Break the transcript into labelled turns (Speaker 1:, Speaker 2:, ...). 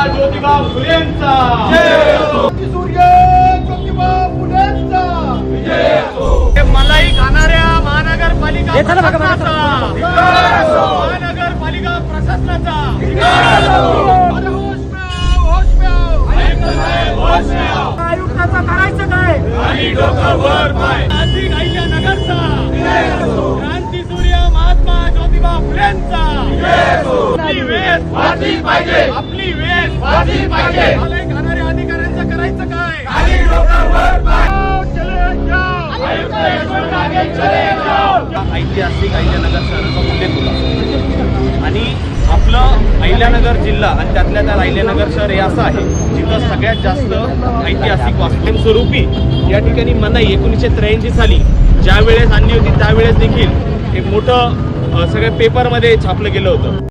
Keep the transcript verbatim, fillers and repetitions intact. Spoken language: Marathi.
Speaker 1: ज्योतिबा फुलेंचा
Speaker 2: सूर्य ज्योतिबा फुलेंचा
Speaker 1: मलाई खाणाऱ्या महानगरपालिका महानगरपालिका प्रशासनाचा
Speaker 2: आयुक्ताचा करायचं काय
Speaker 1: नाशिक अहिल्यानगरचा क्रांती सूर्य महात्मा ज्योतिबा फुलेंचा आपली वेस वाचली पाहिजे आपली वेस वाचली पाहिजे मलाई खाणाऱ्या अधिकाऱ्यांचं करायचं काय ऐतिहासिक अहिल्यानगर शहराचा उल्लेख होता आणि आपलं अहिल्यानगर जिल्हा आणि त्यातल्या त्यात अहिल्यानगर शहर हे असं आहे जिथं सगळ्यात जास्त ऐतिहासिक वास्तू स्वरूपी या ठिकाणी मनाई एकोणीसशे त्र्याऐंशी साली ज्या वेळेस आणली होती त्यावेळेस देखील एक मोठं सगळ्या पेपरमध्ये छापलं गेलं होतं.